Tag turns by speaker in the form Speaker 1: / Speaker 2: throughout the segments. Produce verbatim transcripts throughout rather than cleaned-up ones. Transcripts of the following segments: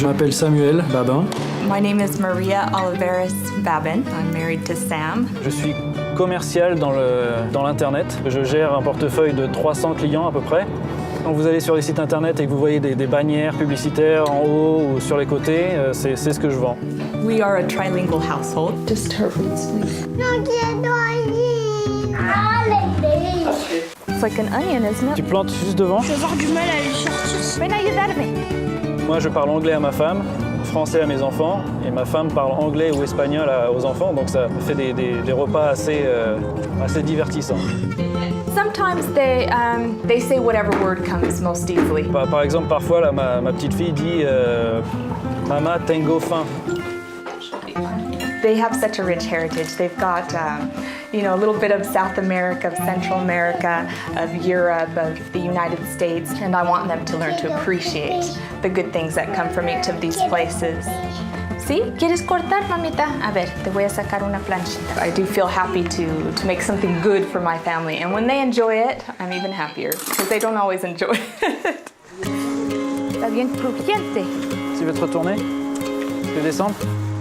Speaker 1: Je m'appelle Samuel Babin.
Speaker 2: My name is Maria Oliveras Babin. I'm married to Sam.
Speaker 3: Je suis commercial dans le, dans l'internet. Je gère un portefeuille de trois cents clients à peu près. Quand vous allez sur les sites internet et que vous voyez des, des bannières publicitaires en haut ou sur les côtés, euh, c'est, c'est ce que je vends.
Speaker 2: We are a trilingual household.
Speaker 4: Just her roots, please.
Speaker 2: It's like an onion, isn't it?
Speaker 3: Tu plantes juste devant.
Speaker 4: Je vais avoir du mal à les sortir.
Speaker 2: Wait, now you that at me.
Speaker 3: Moi, je parle anglais à ma femme, français à mes enfants, et ma femme parle anglais ou espagnol à, aux enfants, donc ça fait des, des, des repas assez, euh, assez divertissants.
Speaker 2: Sometimes they um, they say whatever word comes most easily.
Speaker 3: Par, par exemple, parfois, là, ma, ma petite fille dit euh, « Mama, tengo faim ».
Speaker 2: They have such a rich heritage. They've got, um, you know, a little bit of South America, of Central America, of Europe, of the United States, and I want them to learn to appreciate the good things that come from each of these places. ¿Sí? ¿Quieres cortar, mamita? A ver, te voy a sacar una planchita. I do feel happy to, to make something good for my family, and when they enjoy it, I'm even happier, because they don't always enjoy it. Está bien crujiente.
Speaker 3: Tu veux te retourner? Tu veux descendre?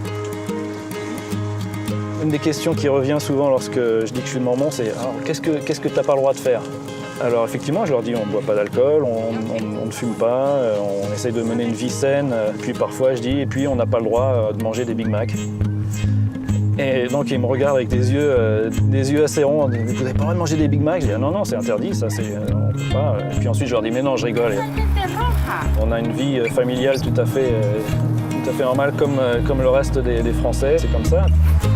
Speaker 3: Une des questions qui revient souvent lorsque je dis que je suis de Mormon, c'est alors, qu'est-ce que qu'est-ce que t'as pas le droit de faire? Alors effectivement, je leur dis on ne boit pas d'alcool, on, on, on ne fume pas, on essaye de mener une vie saine. Puis parfois je dis et puis on n'a pas le droit de manger des Big Mac. Et donc ils me regardent avec des yeux, euh, des yeux assez ronds. Vous n'avez pas le droit de manger des Big Mac? Je dis ah, non non c'est interdit, ça c'est on peut pas. Et puis ensuite je leur dis mais non je rigole. On a une vie familiale tout à fait, euh, tout à fait normale comme comme le reste des, des Français. C'est comme ça.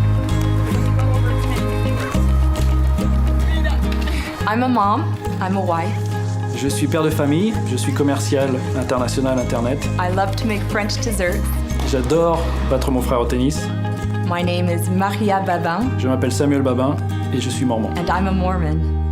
Speaker 2: I'm a mom, I'm a wife.
Speaker 1: Je suis père de famille, je suis commercial international internet.
Speaker 2: I love to make French desserts.
Speaker 1: J'adore battre mon frère au tennis.
Speaker 2: My name is Maria Babin.
Speaker 1: Je m'appelle Samuel Babin et je suis mormon.
Speaker 2: And I'm a Mormon.